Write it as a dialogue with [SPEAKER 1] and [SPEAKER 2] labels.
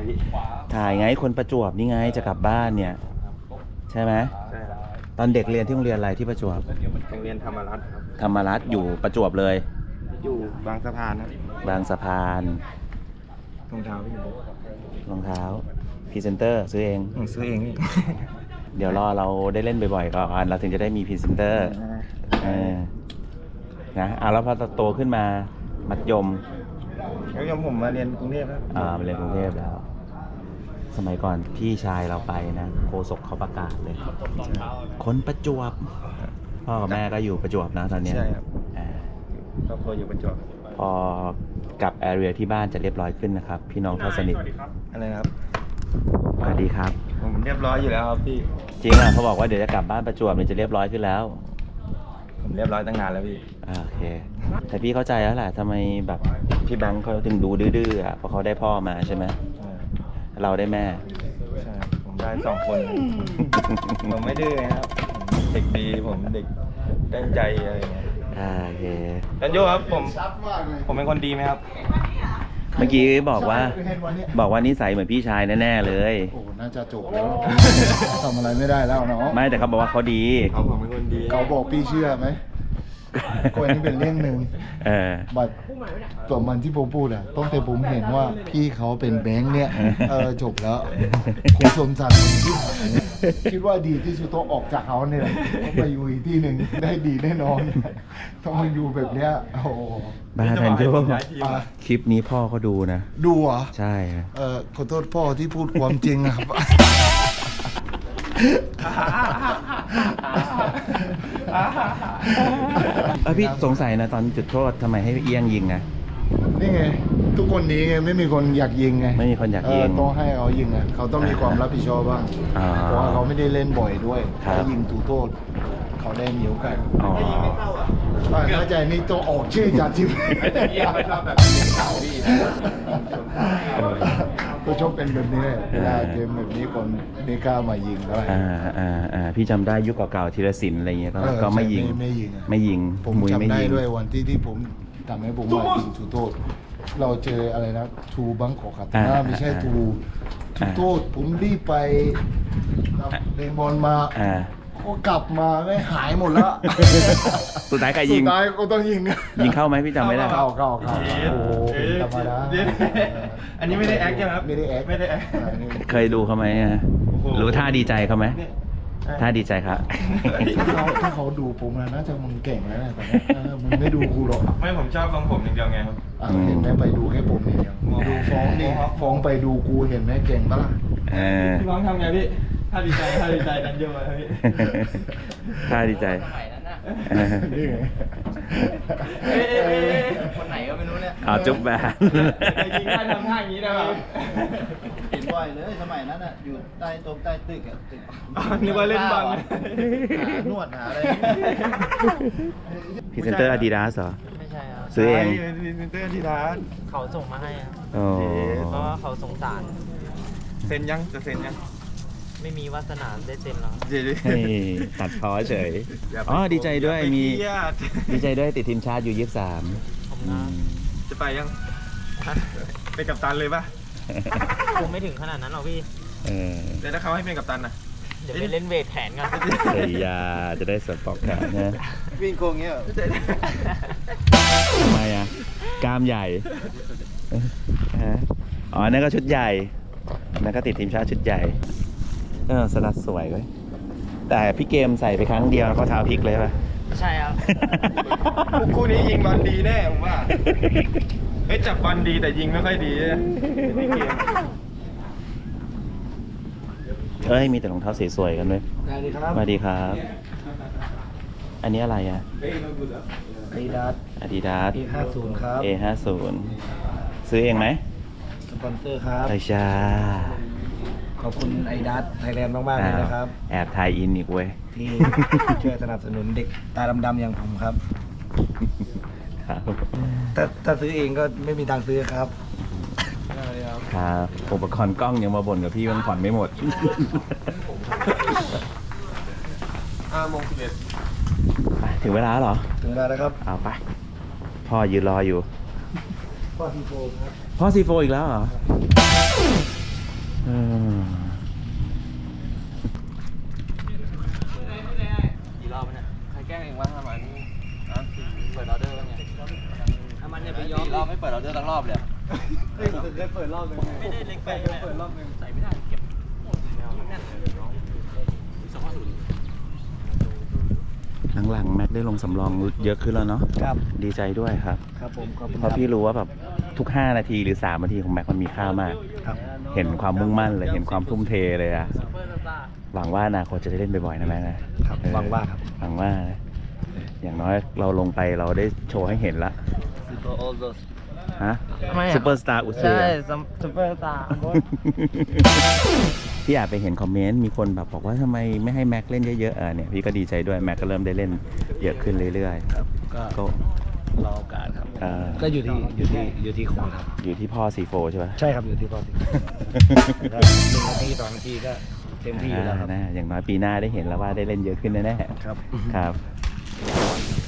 [SPEAKER 1] พี่
[SPEAKER 2] ถ่ายไงคนประจวบนี่ไงจะกลับบ้านเนี่ยใช่ไหม
[SPEAKER 1] ใช่ครับ
[SPEAKER 2] ตอนเด็กเรียนที่โรงเรียนอะไรที่ประจวบ
[SPEAKER 1] โรงเรียนธรรมรัตน์ครับ
[SPEAKER 2] ธรรมรัฐอยู่ประจวบเลย
[SPEAKER 1] อยู่บางสะพานครับ
[SPEAKER 2] บางสะพาน
[SPEAKER 1] รองเท้าพี่
[SPEAKER 2] รองเท้าพรีเซนเตอร์ซื้อเอง
[SPEAKER 1] ผมซื้อเอง
[SPEAKER 2] เดี๋ยวรอเราได้เล่นบ่อยๆก่อนเราถึงจะได้มีพรีเซนเตอร์นะแล้วพอโตขึ้นมามัธยม
[SPEAKER 1] แล้วยังผมมาเรียนกรุงเทพครับ
[SPEAKER 2] มาเรียนกรุงเทพแล้ว สมัยก่อนพี่ชายเราไปนะโฆษกเขาประกาศเลยคนประจวบพ่อกับแม่ก็อยู่ประจวบนะตอนเนี้ย
[SPEAKER 1] ใช่ครับ
[SPEAKER 2] อ่า
[SPEAKER 1] ครอบครัวอยู่ประจวบ
[SPEAKER 2] พอกลับแอเรียที่บ้านจะเรียบร้อยขึ้นนะครับ พี่น้องเท่าสนิท
[SPEAKER 1] อะไรนะครับ
[SPEAKER 2] สวัสดีครับ
[SPEAKER 1] ผมเรียบร้อยอยู่แล้วครับพี่
[SPEAKER 2] จริงอ่ะเขาบอกว่าเดี๋ยวจะกลับบ้านประจวบเนี่ยจะเรียบร้อยขึ้นแล้ว
[SPEAKER 1] ผมเรียบร้อยตั้งนานแล้วพี่
[SPEAKER 2] โอเค แต่พี่เข้าใจแล้วแหละทำไมแบบพี่แบงค์เขาถึงดูดื้อๆอ่ะเพราะเขาได้พ่อมาใช่ไหม
[SPEAKER 1] ใช่
[SPEAKER 2] เราได้แม่
[SPEAKER 1] ใช่ผมได้2 คน ผมไม่ดื้อนะครับผมเด็กดีผมเด็กตั้งใจอะไรอย่างเงี้ย
[SPEAKER 2] โอเค
[SPEAKER 1] จันโยครับผมเป็นคนดีไหมครับ
[SPEAKER 2] เมื่อกี้บอกว่านิสัยเหมือนพี่ชายแน่ๆเลย
[SPEAKER 3] โอ้ น่าจะจบแล้ว ทำอะไรไม่ได้แล้วเนาะ
[SPEAKER 2] ไม่แต่เขาบอกว่าเขาดี
[SPEAKER 1] ผมเป็นคนดี
[SPEAKER 3] เขาบอกพี่เชื่อไหมก็อันนี้เป็นเรื่องหนึ่ง บัตรตัวมันที่ผมพูดอะต้องแต่ผมเห็นว่าพี่เขาเป็นแบงค์เนี่ย จบแล้วคุณสมศักดิ์คิดว่าดีที่สุดต้องออกจากเขาเนี่ยต้องไปอยู่อีกที่หนึ่งได้ดีแน่นอน ต้องมาอยู่แบบเนี้ย โอ้โห
[SPEAKER 2] บ้าแทนโย
[SPEAKER 3] อ่ะ
[SPEAKER 2] คลิปนี้พ่อเขาดูนะ
[SPEAKER 3] ดูเหรอ
[SPEAKER 2] ใช่ฮะ
[SPEAKER 3] ขอโทษพ่อที่พูดความจริงอะครับ
[SPEAKER 2] พี่สงสัยนะตอนจุดโทษทำไมให้เอี้ยงยิงนะ
[SPEAKER 3] นี่ไง ทุกคนนี้ไงไม่มีคนอยากยิงไง
[SPEAKER 2] ไม่มีคนอยากยิง
[SPEAKER 3] ต้องให้เขายิงอ่ะเขาต้องมีความรับผิดชอบบ้าง
[SPEAKER 2] อ๋อ
[SPEAKER 3] เพราะว่าเขาไม่ได้เล่นบ่อยด้วย
[SPEAKER 2] ครับ
[SPEAKER 3] ถ้ายิงถูกโทษ เขาได้มีโอกาส
[SPEAKER 2] อ๋อ
[SPEAKER 3] เข้าใจนี่ต้องออกชื่อจากทีม
[SPEAKER 1] เยี่ยมไม่ชอบแบบเก่าพี่
[SPEAKER 3] ก็ชอบเป็นแบบนี้เลยเวลาเกมแบบนี้คนไม่กล้ามายิงได้
[SPEAKER 2] พี่จำได้ยุคเก่าๆธีรศิลป์อะไรเงี้ยก็ไม่ยิง
[SPEAKER 3] ไม่ยิงอะ
[SPEAKER 2] ไม่ยิง
[SPEAKER 3] ผม
[SPEAKER 2] มุ้ยไม่
[SPEAKER 3] จำได้
[SPEAKER 2] ยิง
[SPEAKER 3] ด้วยวันที่ผมทำให้ผมมายิงถูกโทษ เราเจออะไรนะทูบังกอกคาตาน่าไม่ใช่ทูถูกโทษผมรีบไปเล่นบอลมา ก็กลับมาไม่หายหมดแล้ว
[SPEAKER 2] สุดท้ายใคร
[SPEAKER 3] สุ
[SPEAKER 2] ยิง
[SPEAKER 3] ดท้ายก็ต้องยิง
[SPEAKER 2] ยิงเข้าไหมพี่จำไม่ได้
[SPEAKER 3] เข้าโอ้โหเป็นธรรมดา
[SPEAKER 1] อันนี้ไม่ได้แอคใช่ไหมครับ
[SPEAKER 3] ไม่ได้แอค
[SPEAKER 1] ไม่ได้แอค
[SPEAKER 2] เคยดูเขาไหมอะ
[SPEAKER 1] โอ้โห
[SPEAKER 2] รู้ท่าดีใจเขาไหมท่าดีใจครับ
[SPEAKER 3] ถ้าเขาดูผมนะน่าจะมึงเก่งแล้วนะแต่ว่ามึงไม่ดูกูหรอก
[SPEAKER 1] ไม่ผมชอบทรงผมอย่างเดียวไงครับ
[SPEAKER 3] เห็นไหมไปดูแค่ผมอย่างเดียวดูฟ้องดิฟ้องไปดูกูเห็นไหมเก่งปะล่ะ
[SPEAKER 1] พี่น้องทำไงพี่ถ้าดีใจดันเยอะเลยพี่
[SPEAKER 2] ท่าดีใจ
[SPEAKER 3] นี่ไง
[SPEAKER 1] คนไหนก็ไม่รู้เนี่ย
[SPEAKER 2] จุ๊บแบน
[SPEAKER 1] จริงๆถ้าทำท่าอย่างนี้ได้ป่ะ
[SPEAKER 4] เห็นบ่อยเลยสมัยนั้นอ่ะอยู่ใต้ตรงใต้ตึกอ่ะตึก
[SPEAKER 1] นึกว่าเล่นบอล
[SPEAKER 4] หานวดหาอะไร
[SPEAKER 2] พรีเซนเตอร์อาดิดาสเหรอ
[SPEAKER 4] ไม่ใช่ครับ
[SPEAKER 2] ซื้อเอง
[SPEAKER 1] พรีเซนเตอร์ที่ร้าน
[SPEAKER 4] เขาส่งมาให้ครับ
[SPEAKER 2] โอ้
[SPEAKER 4] เพราะว่าเขาสงสาร
[SPEAKER 1] เซ็นยังจะเซ็นยัง
[SPEAKER 4] ไม่มีวาสนาได้เซ็นแล้ว
[SPEAKER 1] เดี๋ยว
[SPEAKER 2] ให้ตัดพ้อเฉย ดีใจด้วยมีดีใจด้วยติดทีมชาติอยู่23
[SPEAKER 4] ผม
[SPEAKER 2] อื
[SPEAKER 4] นะ
[SPEAKER 2] ม
[SPEAKER 1] จะไปยังเป็นกัปตันเลยป่ะ
[SPEAKER 4] คงไม่ถึงขนาดนั้นหรอกพี่
[SPEAKER 1] แล้วถ้าเขาให้เป็นกัปตันน่ะ
[SPEAKER 4] เดี๋ยวไปเล่นเวทแขนกัน
[SPEAKER 2] เฮ้ยยาจะได้สปอกแขนนะ
[SPEAKER 4] วิ่งโกงเงี้ย
[SPEAKER 2] ทำไมอ่ะกล้ามใหญ่นั่นก็ชุดใหญ่นั่นก็ติดทีมชาติชุดใหญ่สลัดสวยเว้ยแต่พี่เกมใส่ไปครั้งเดียวแล้วก็เท้าพลิกเลยป่ะ
[SPEAKER 4] ใช่ครับ
[SPEAKER 1] คู่นี้ยิงบอลดีแน่ผมว่าเฮ้ยจับบอลดีแต่ยิงไม่ค่อยดีนี่เกม
[SPEAKER 2] มีแต่รองเท้าสวยๆกันด้วย
[SPEAKER 3] สวัสดีครับ
[SPEAKER 2] สวัสดีครับ อันนี้อะไรอ่ะ
[SPEAKER 3] ดีดัส
[SPEAKER 2] Adidas
[SPEAKER 3] A50 ครับ
[SPEAKER 2] A50 ซื้อเองไหม
[SPEAKER 3] สปอนเซอร์ครับ
[SPEAKER 2] ใช่จ้า
[SPEAKER 3] ขอบคุณไอดัสไทยแลนด์มากๆเลยนะครับ
[SPEAKER 2] แอบถ่ายอินอีกเว้ย
[SPEAKER 3] ที่ช่วยสนับสนุนเด็กตาดำๆอย่างผมครับ
[SPEAKER 2] ครับ
[SPEAKER 3] ถ้าซื้อเองก็ไม่มีตังค์ซื้อครับ
[SPEAKER 2] ครับอุปกรณ์กล้องยังมาบ่นกับพี่มันผ่อนไม่หมด
[SPEAKER 1] 5:11
[SPEAKER 2] ไปถึงเวลาแล้วเหรอ
[SPEAKER 3] ถึงเวลาแล้วครับ
[SPEAKER 2] เอาไป พ่อยืนรออยู่
[SPEAKER 3] พ่อทีโฟครับ
[SPEAKER 2] พ่อซีโฟอีกแล้วเหรอหลังๆแม็กได้ลงสำรองเยอะขึ้นแล้วเนาะ
[SPEAKER 3] ครับ
[SPEAKER 2] ดีใจด้วยครับ
[SPEAKER 3] ครับผมขอบคุณ
[SPEAKER 2] เพราะพี่รู้ว่าแบบทุก 5 นาทีหรือ 3 นาทีของแม็กมันมีค่ามาก
[SPEAKER 3] ครับ
[SPEAKER 2] เห็นความมุ่งมั่นเลย เห็นความทุ่มเทเลยอะหวังว่าอนาคตจะได้เล่นบ่อยๆนะแม็กนะครับ
[SPEAKER 3] หวังว่าครับ
[SPEAKER 2] หวังว่านะอย่างน้อยเราลงไปเราได้โชว์ให้เห็นละฮะ
[SPEAKER 1] ทำไมอะ
[SPEAKER 2] ซูเปอร์สตาร์อุเซ
[SPEAKER 1] ใช่ซุปเปอร์สตาร์
[SPEAKER 2] พี่อาจไปเห็นคอมเมนต์มีคนแบบบอกว่าทำไมไม่ให้แม็กเล่นเยอะๆเนี่ยพี่ก็ดีใจด้วยแม็กก็เริ่มได้เล่นเยอะขึ้นเรื่อยๆ
[SPEAKER 3] ก็
[SPEAKER 2] ก็
[SPEAKER 3] รอโอกาสครับ
[SPEAKER 2] ก็
[SPEAKER 3] อยู่ที่คนครับ
[SPEAKER 2] อยู่ที่พ่อซีโฟใช่ไหม
[SPEAKER 3] ใช่ครับอยู่ที่พ่อสิ1 นาที 2 นาทีก็เต็มที่แล้วครับ
[SPEAKER 2] อย่างน้อยปีหน้าได้เห็นแล้วว่าได้เล่นเยอะขึ้นแน่ๆ
[SPEAKER 3] ครับ
[SPEAKER 2] ครับ